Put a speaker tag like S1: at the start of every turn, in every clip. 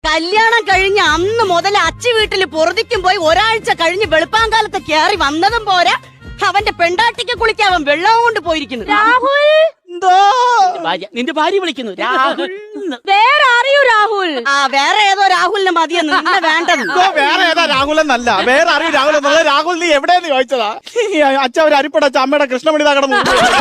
S1: കല്യാണം കഴിഞ്ഞ് അന്ന് മുതൽ അച്ചി വീട്ടില് പൊറുതിക്കും പോയി ഒരാഴ്ച കഴിഞ്ഞ് വെളുപ്പാങ്കാലത്ത് കയറി വന്നതും പോരാ, അവന്റെ പെണ്ടാട്ടിക്ക് കുളിക്കാൻ അവൻ വെള്ളവും കൊണ്ട് പോയിരിക്കുന്നു.
S2: രാഹുൽ
S3: നിന്റെ ഭാര്യ വിളിക്കുന്നു രാഹുൽ.
S2: വേറെ അറിയൂ രാഹുൽ.
S1: വേറെ ഏതോ രാഹുലിനെ മതിയെന്ന്, നിന്നെ വേണ്ടത്.
S4: വേറെ ഏതാ രാഹുൽ എന്നല്ല, വേറെ അറിയൂ രാഹുൽ എന്നല്ല. രാഹുൽ നീ എവിടെയെന്ന് ചോദിച്ചതാ. അച്ഛ ഒരു അരിപ്പടച്ച അമ്മയുടെ കൃഷ്ണമണി കടന്നു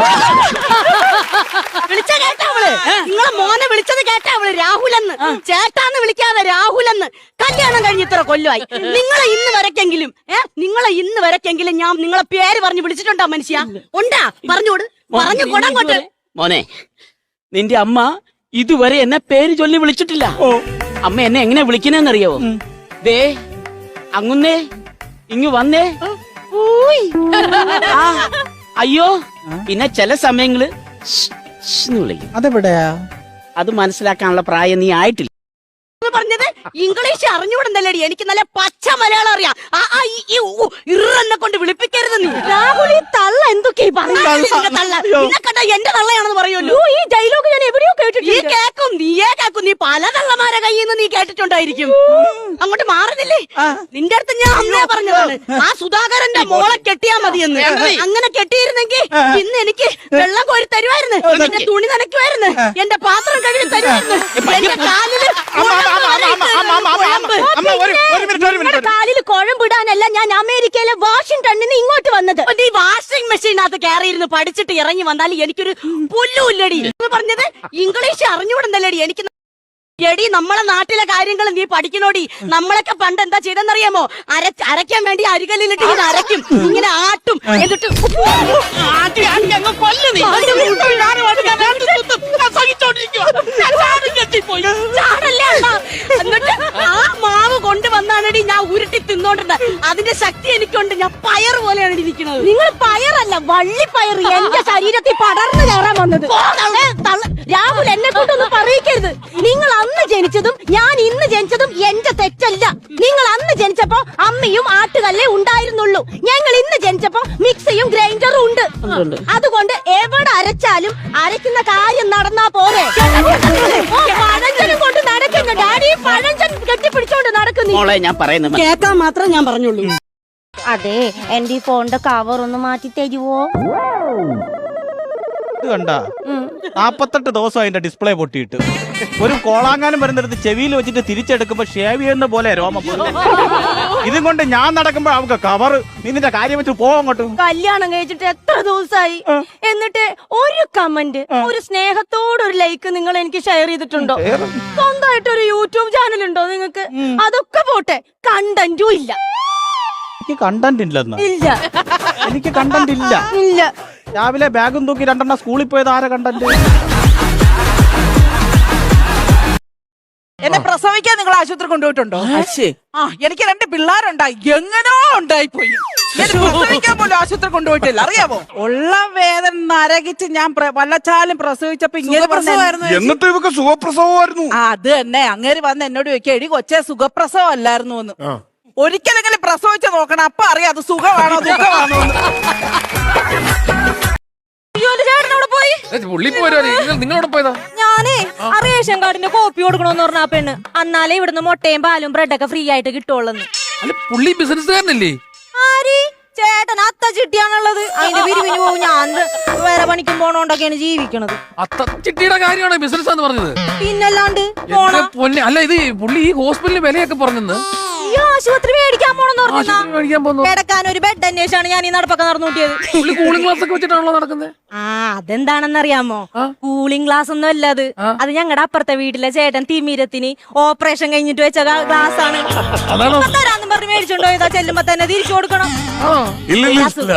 S1: വിളിച്ച കേട്ടാവള്, നിങ്ങളെ മോനെ വിളിച്ചത് കേട്ടാവള് രാഹുലെന്ന്. ചേട്ടാന്ന് വിളിക്കാതെ രാഹുലെന്ന്. കല്യാണം കഴിഞ്ഞ് ഇത്ര കൊല്ലമായി. നിങ്ങളെ ഇന്ന് വരക്കെങ്കിലും ഞാൻ നിങ്ങളെ പേര് പറഞ്ഞു വിളിച്ചിട്ടുണ്ടോ മനുഷ്യ? ഉണ്ടാ? പറഞ്ഞോട്, പറഞ്ഞു കൊടങ്ങോട്ട്.
S3: മോനെ, നിന്റെ അമ്മ ഇതുവരെ എന്നെ പേര് ചൊല്ലി വിളിച്ചിട്ടില്ല. അമ്മ എന്നെ എങ്ങനെ വിളിക്കണെന്നറിയാവോ? ദേ അങ്ങുന്നേ, ഇങ്ങു വന്നേ, അയ്യോ. പിന്നെ ചില സമയങ്ങള് വിളിക്കും.
S4: അതെവിടെയാ?
S3: അത് മനസ്സിലാക്കാനുള്ള പ്രായം നീ ആയിട്ടില്ല.
S1: പറഞ്ഞത് ഇംഗ്ലീഷ് അറിഞ്ഞുകൂടുന്നല്ലേടി, എനിക്ക് നല്ല പച്ച മലയാളം അറിയാം. ഇറന്നെ കൊണ്ട് വിളിപ്പിക്കരുത് നീ.
S2: രാഹുൽ ഈ തള്ള എന്തൊക്കെയാ
S1: കണ്ട എന്റെ തള്ളയാണെന്ന് പറയുമല്ലോ.
S2: ഈ ഡയലോഗ് ഞാൻ എവിടെയോ കേട്ടിട്ടുണ്ട്.
S1: നീയേ കേക്കും. നീ പല തള്ളമാരെ കയ്യിൽ നിന്ന് നീ കേട്ടിട്ടുണ്ടായിരിക്കും. അങ്ങോട്ട് മാറുന്നില്ലേ? നിന്റെ അടുത്ത് ഞാൻ അന്നേ പറഞ്ഞതാണ്, ആ സുധാകരന്റെ മോളെ കെട്ടിയാ മതിയെന്ന്. അങ്ങനെ കെട്ടിയിരുന്നെങ്കിൽ ഇന്ന് എനിക്ക് വെള്ളം കോരി തരുമായിരുന്നു, എന്റെ തുണി നനയ്ക്കുമായിരുന്നു, എന്റെ പാത്രം കഴുകി തരുമായിരുന്നു, എന്റെ കാലില്
S2: കാലിൽ കുഴമ്പിടാനല്ല ഞാൻ അമേരിക്കയിലെ വാഷിംഗ്ടണിന് ഇങ്ങോട്ട് വന്നത്.
S1: ഈ വാഷിംഗ് മെഷീനകത്ത് കയറിയിരുന്ന് പഠിച്ചിട്ട് ഇറങ്ങി വന്നാൽ എനിക്കൊരു പുല്ലുമില്ലടി. പറഞ്ഞത് ഇംഗ്ലീഷ് അറിഞ്ഞുകൂടുന്നല്ലേടി. എനിക്ക് എടി, നമ്മളെ നാട്ടിലെ കാര്യങ്ങൾ നീ പഠിക്കണോടി. നമ്മളൊക്കെ പണ്ട് എന്താ ചെയ്തെന്നറിയാമോ? അരയ്ക്കാൻ വേണ്ടി അരികല്ലിലിട്ട് ഇങ്ങനെ അരയ്ക്കും, ഇങ്ങനെ ആട്ടും, എന്നിട്ട് എന്നിട്ട് ആ മാവ് കൊണ്ടുവന്നാണടി ഞാൻ ഉരുട്ടി തിന്നോണ്ടിരുന്നത്. അതിന്റെ ശക്തി എനിക്കുണ്ട്. ഞാൻ പയർ പോലെയാണ് ഇരിക്കുന്നത്.
S2: നിങ്ങൾ പയറല്ല, വള്ളിപ്പയർ എന്റെ ശരീരത്തിൽ പടർന്നു കയറാൻ വന്നത്. രാഹുൽ, എന്നെ കൊണ്ടൊന്നും പറയിക്കരുത്. നിങ്ങൾ അന്ന് ജനിച്ചതും ഞാൻ ഇന്ന് ജനിച്ചതും എന്റെ തെറ്റല്ല. നിങ്ങൾ അന്ന് ജനിച്ചപ്പോ അമ്മയും ആട്ടുകല്ലേ ഉണ്ടായിരുന്നുള്ളൂ. ഞങ്ങൾ ഇന്ന് ജനിച്ചപ്പോ മിക്സിയും ഗ്രൈൻഡറും ഉണ്ട്. അതുകൊണ്ട് എവിടെ അരച്ചാലും അരയ്ക്കുന്ന കാര്യം നടന്നാ പോരെ. പഴഞ്ചനും കൊണ്ട് നടക്കുന്നു ഡാഡി, പഴഞ്ചൻ കെട്ടിപ്പിടിച്ചോണ്ട് നടക്കുന്നു.
S3: ഞാൻ പറയുന്നത്
S1: കേൾക്കാൻ മാത്രം ഞാൻ പറഞ്ഞുള്ളൂ.
S2: അതെ, എന്റെ ഈ ഫോണിന്റെ കവർ ഒന്ന് മാറ്റി തരുവോ?
S4: കണ്ട 48 ദിവസം അതിന്റെ ഡിസ്പ്ലേ പൊട്ടിയിട്ട് ഒരു കോളാങ്ങാനും വരുന്നിടത്ത് ചെവിയിൽ വെച്ചിട്ട് തിരിച്ചെടുക്കുമ്പോ ഷേവ് ചെയ്യുന്ന പോലെ രോമം. ഇതും കൊണ്ട് ഞാൻ നടക്കുമ്പോ അവർക്ക് കവർ. നിന്റെ കാര്യം വെച്ച് പോകങ്ങോട്ട്.
S2: കല്യാണം കഴിച്ചിട്ട് എത്ര ദിവസമായി, എന്നിട്ട് ഒരു കമന്റ്, ഒരു സ്നേഹത്തോടൊരു ലൈക്ക് നിങ്ങൾ എനിക്ക് ഷെയർ ചെയ്തിട്ടുണ്ടോ? സ്വന്തമായിട്ടൊരു യൂട്യൂബ് ചാനൽ ഉണ്ടോ നിങ്ങൾക്ക്? അതൊക്കെ പോട്ടെ, കണ്ടന്റും ഇല്ല.
S4: എനിക്ക് കണ്ടന്റ് ഇല്ലെന്ന്.
S2: ഇല്ല,
S4: എനിക്ക് കണ്ടന്റ് ഇല്ല.
S2: ഇല്ല.
S4: രാവിലെ ബാഗും തൂക്കി 2 സ്കൂളിൽ പോയത് ആരെ കണ്ടന്റ്?
S5: എന്നെ പ്രസവിക്കാൻ നിങ്ങൾ ആശുപത്രി കൊണ്ടുപോയിട്ടുണ്ടോ? എനിക്ക് 2 പിള്ളേരുണ്ടായി, എങ്ങനോ ഉണ്ടായിപ്പോയി. പ്രസവിക്കാൻ പോലും ആശുപത്രി കൊണ്ടുപോയിട്ടില്ല, അറിയാമോ? ഉള്ള വേദന നരകിച്ച് ഞാൻ വല്ലച്ചാലും പ്രസവിച്ചപ്പോ ഇങ്ങനെ
S6: എന്നിട്ട് ഇവക്ക് സുഖപ്രസവമായിരുന്നു.
S5: അത് തന്നെ. അങ്ങേര് വന്ന് എന്നോട് ചോദിക്കുക, എടി കൊച്ചെ സുഖപ്രസവം അല്ലായിരുന്നു എന്ന്. ഒരിക്കലെങ്കിലും പ്രസവിച്ച് നോക്കണം, അപ്പൊ അറിയാം അത് സുഖമാണോ ദുഃഖമാണോ.
S2: ഞാനേ റേഷൻ കാർഡിന്റെ കോപ്പി കൊടുക്കണോന്ന് പറഞ്ഞ ആ പെണ്ണ്, എന്നാലേ ഇവിടുന്ന് മുട്ടയും പാലും ബ്രെഡൊക്കെ ഫ്രീ ആയിട്ട് കിട്ടുള്ളൂ.
S7: പുള്ളി ബിസിനസ്സുകാരനല്ലേ?
S2: ആര്? ചേട്ടൻ അത്ത ചിട്ടിയാണുള്ളത്. അതിന്റെ പിരിവിന് പോകും. ഞാൻ വേറെ പണിക്കും പോണോണ്ടൊക്കെയാണ് ജീവിക്കണത്.
S7: അത്ത ചിട്ടിയുടെ കാര്യമാണ് ബിസിനസ് എന്ന് പറഞ്ഞത്.
S2: പിന്നല്ലാണ്ട്
S7: അല്ല, ഇത് പുള്ളി ഈ ഹോസ്പിറ്റലിൽ വിലയൊക്കെ പറഞ്ഞത്.
S2: ആശുപത്രി മേടിക്കാൻ പോണെന്ന് കിടക്കാൻ ഒരു ബെഡ് അന്വേഷാണ് ഞാൻ ഈ നടപ്പൊക്കെ നടന്നു കൂട്ടിയത്.
S7: കൂളിംഗ് ഗ്ലാസ് ഒക്കെ വെച്ചിട്ടാണല്ലോ നടക്കുന്നത്.
S2: അതെന്താണെന്നറിയാമോ? കൂളിംഗ് ഗ്ലാസ് ഒന്നും അല്ല അത്. അത് ഞങ്ങളുടെ അപ്പുറത്തെ വീട്ടിലെ ചേട്ടൻ തിമിരത്തിന് ഓപ്പറേഷൻ കഴിഞ്ഞിട്ട് വെച്ച ഗ്ലാസ് ആണ്. തരാന്നും പറഞ്ഞ് മേടിച്ചോണ്ടോ ഇതാ ചെല്ലുമ്പോ തന്നെ തിരിച്ചു കൊടുക്കണം.
S6: ഇല്ല.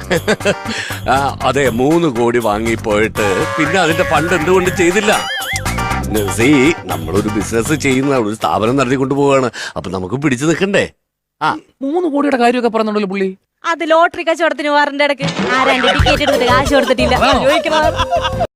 S6: അതെ, 3 കോടി വാങ്ങിപ്പോയിട്ട് പിന്നെ അതിന്റെ ഫണ്ട് എന്തുകൊണ്ട് ചെയ്തില്ല? നമ്മളൊരു ബിസിനസ് ചെയ്യുന്ന ഒരു സ്ഥാപനം നടത്തിക്കൊണ്ട് പോവാണ്. അപ്പൊ നമുക്ക് പിടിച്ചു നിൽക്കണ്ടേ?
S7: 3 കോടിയുടെ കാര്യമൊക്കെ പറയുന്നുണ്ടല്ലോ പുള്ളി.
S2: അത് ലോട്ടറി കച്ചവടത്തിന് വാറിന്റെ ഇടയ്ക്ക് 2 ടിക്കറ്റ് എടുത്തിട്ട് കാശ് കൊടുത്തിട്ടില്ല.